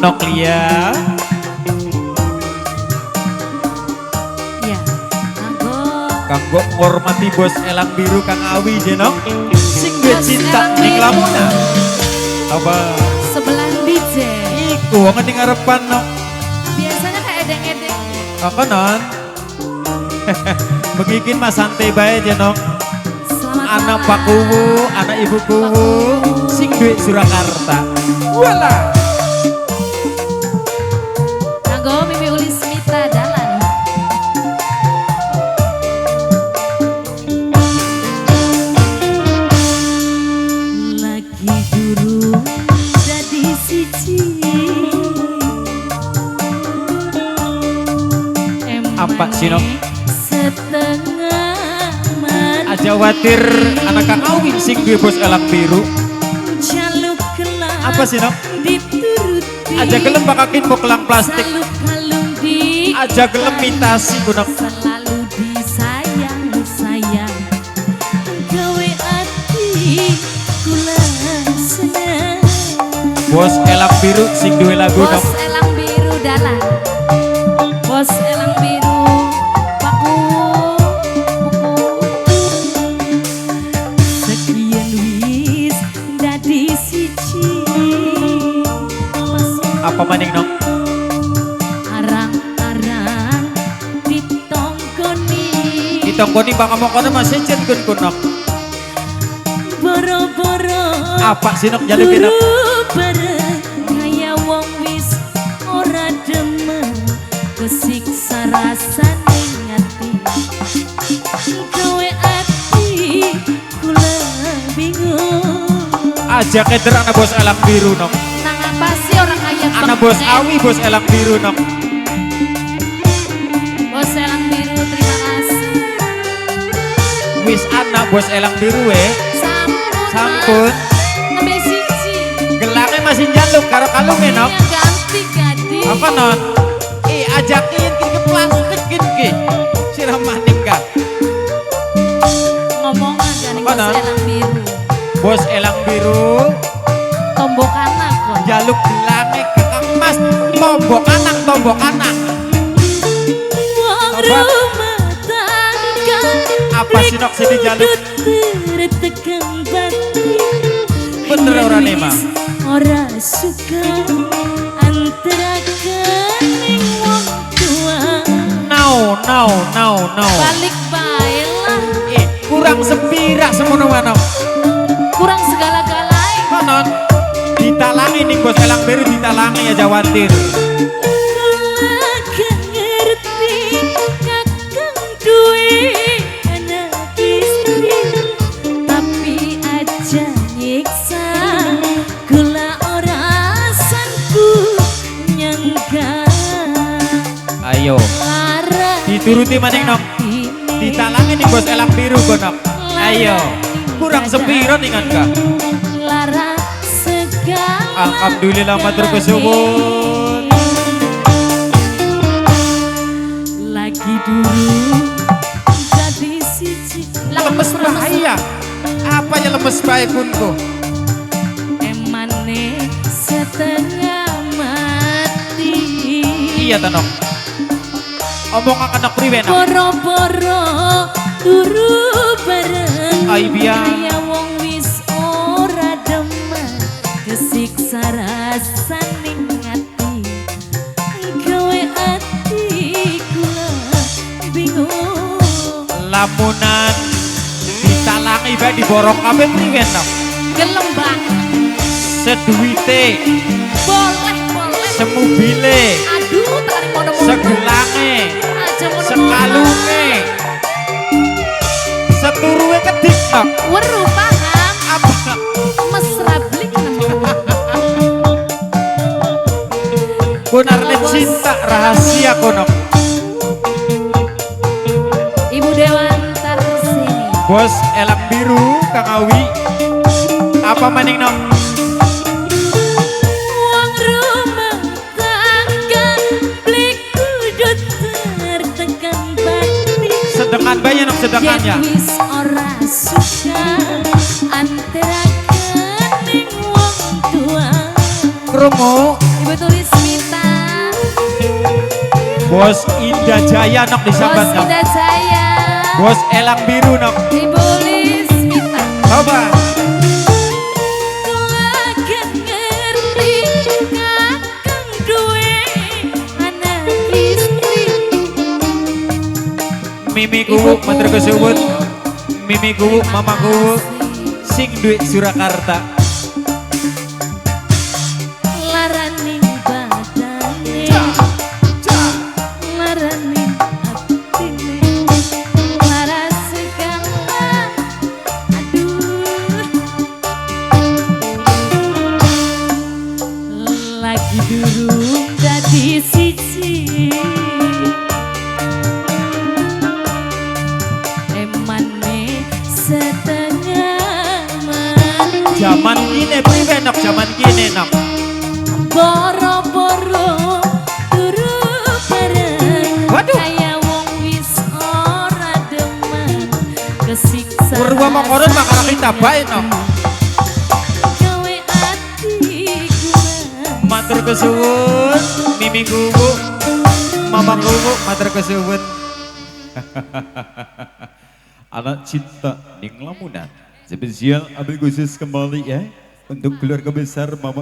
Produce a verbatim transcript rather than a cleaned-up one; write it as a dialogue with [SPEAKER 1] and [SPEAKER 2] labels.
[SPEAKER 1] Noklia.
[SPEAKER 2] Iya, kanggo
[SPEAKER 1] Kanggo ngormati bos Elang Biru Kang Awi jenok. Sing duwe
[SPEAKER 2] Bos
[SPEAKER 1] cinta
[SPEAKER 2] Elang
[SPEAKER 1] ning
[SPEAKER 2] Biru.
[SPEAKER 1] Lamongan. Apa?
[SPEAKER 2] sebelah D J.
[SPEAKER 1] Iku wong ning ngarepan nok.
[SPEAKER 2] Biasanya kayak edeng-edeng.
[SPEAKER 1] Apa non? Begikin mas santai bae jenok.
[SPEAKER 2] Selamat
[SPEAKER 1] Anak
[SPEAKER 2] malam.
[SPEAKER 1] Pak Kuwu, anak Ibu Kuwu, sing duwe Surakarta. Wala.
[SPEAKER 2] Kanggo Mimi Ulis Mita Dalan. Lagi durung jadi siji.
[SPEAKER 1] Apa sih, Nok?
[SPEAKER 2] Setengah mati.
[SPEAKER 1] Aja watir anak Kang Awi sing duwe bos Elang Biru.
[SPEAKER 2] Jaluk kelak
[SPEAKER 1] Apa sih, Nok?
[SPEAKER 2] dituruti.
[SPEAKER 1] Aja gelem bakakin bokelang plastik.
[SPEAKER 2] Saluk kalung di
[SPEAKER 1] Aja gelem mitasi kunak.
[SPEAKER 2] selalu disayang sayang gawe ati kula seneng.
[SPEAKER 1] Bos Elang Biru sing duwe lagu
[SPEAKER 2] Bos
[SPEAKER 1] nok.
[SPEAKER 2] Elang Biru Dalan. Bos Elang Biru Paku sekian wis dadi siji.
[SPEAKER 1] Apa maning nok?
[SPEAKER 2] Arang-arang ditonggoni.
[SPEAKER 1] Ditonggoni baka mokono masih jen kun kunak.
[SPEAKER 2] Boro-boro
[SPEAKER 1] Apa sih nok jalukin nok?
[SPEAKER 2] turu bareng kaya wong wis ora demen kesiksa rasane ngati. Gawe ati kula bingung.
[SPEAKER 1] Aja keder anak bos Elang Biru nok.
[SPEAKER 2] Nang apa sih orang kaya
[SPEAKER 1] Anak bos Awi bos Elang Biru nok.
[SPEAKER 2] Bos Elang Biru terima kasih.
[SPEAKER 1] Wis anak bos Elang Biru we.
[SPEAKER 2] Sampun.
[SPEAKER 1] Sampun.
[SPEAKER 2] Nembe siji.
[SPEAKER 1] Gelangnya masih jaluk karo kalungnya nok.
[SPEAKER 2] Yang ganti gadi.
[SPEAKER 1] Apa non? Eh ajakin ke plastik ki. Sirah maning ka.
[SPEAKER 2] Ngomong aja nih
[SPEAKER 1] Apa,
[SPEAKER 2] Bos
[SPEAKER 1] Non?
[SPEAKER 2] Elang Biru.
[SPEAKER 1] Bos Elang Biru
[SPEAKER 2] Tombok anak kok.
[SPEAKER 1] jaluk gelangnya ke Kang Mas. Tombok anak, tombok anak.
[SPEAKER 2] Wong
[SPEAKER 1] Apa?
[SPEAKER 2] rumah tangga.
[SPEAKER 1] Apa sih, Nok, sini jaluk?
[SPEAKER 2] Tertekan batin.
[SPEAKER 1] Bener ora nih, Ma?
[SPEAKER 2] Ora suka antara kening wong tua.
[SPEAKER 1] No, no, no, no.
[SPEAKER 2] Balik bae lah.
[SPEAKER 1] Eh, kurang sepira semono manok.
[SPEAKER 2] Kurang segala-galai.
[SPEAKER 1] Konon ditalangi nih bos Elang Biru ditalangi aja watir.
[SPEAKER 2] Kakang ngerti kakang duwe anak istri, tapi aja nyiksa gula ora sanku nyangka.
[SPEAKER 1] Ayo
[SPEAKER 2] Lara
[SPEAKER 1] dituruti maning nok. Ditalangi nih bos Elang Biru gonok. Ayo kurang sepiro ningan kah?
[SPEAKER 2] Lara segala.
[SPEAKER 1] Alhamdulillah matur kesuwun.
[SPEAKER 2] Lagi dulu jadi siji.
[SPEAKER 1] Lemes bahaya. Apa ya lemes bahaya kunku?
[SPEAKER 2] Emane setengah mati.
[SPEAKER 1] Iya tanok. Omong anak priwe nok.
[SPEAKER 2] Boro-boro turu bareng.
[SPEAKER 1] Ai biar.
[SPEAKER 2] Kaya wong wis ora demen kesiksa rasane ngati. Gawe ati kula bingung.
[SPEAKER 1] Lamunan ditalangi bae diborong kabeh priwe nok.
[SPEAKER 2] Gelem banget.
[SPEAKER 1] Seduite,
[SPEAKER 2] Boleh, boleh.
[SPEAKER 1] semubile,
[SPEAKER 2] Aduh, tarik mono-mono.
[SPEAKER 1] segelange,
[SPEAKER 2] Aja mono-mono.
[SPEAKER 1] sekalunge, seturuwe kedik nok.
[SPEAKER 2] Weru paham.
[SPEAKER 1] Apa nok?
[SPEAKER 2] Mesra blik nemu.
[SPEAKER 1] Kunarne cinta rahasia konok.
[SPEAKER 2] Ibu Dewantar sini.
[SPEAKER 1] Bos Elang Biru Kang Awi. Apa maning nok?
[SPEAKER 2] Wong rumah tangga blik kudut tertekan batin.
[SPEAKER 1] Sedengan bae nok sedengan ya.
[SPEAKER 2] Yen wis ora suka antara kening wong tua.
[SPEAKER 1] Krungu
[SPEAKER 2] Ibu tulis
[SPEAKER 1] Bos Indah Jaya nok disambat
[SPEAKER 2] Bos
[SPEAKER 1] nok.
[SPEAKER 2] Indah Jaya.
[SPEAKER 1] Bos Elang Biru nok.
[SPEAKER 2] Ibu Lismita.
[SPEAKER 1] Coba.
[SPEAKER 2] Kula gak ngerti kakang duwe anak istri.
[SPEAKER 1] Mimi kuwuk matur kesuwun. Mimi kuwuk mama kuwuk sing duit Surakarta.
[SPEAKER 2] Laraning badane, laraning atine, laras segala. Aduh, lagi durung dadi siji. Emane setengah mati.
[SPEAKER 1] Zaman kini priwe nok, zaman kini nok.
[SPEAKER 2] Boro-boro turu bareng.
[SPEAKER 1] Waduh.
[SPEAKER 2] Kaya wong wis ora demen kesiksa.
[SPEAKER 1] Purwa mangkoron makara kita bae nok.
[SPEAKER 2] Gawe atiku
[SPEAKER 1] Matur kesuwun Mimi kuwuk mama kuwuk matur kesuwun. Anak cinta ning lamunan spesial ambil khusus kembali ya untuk keluarga besar mama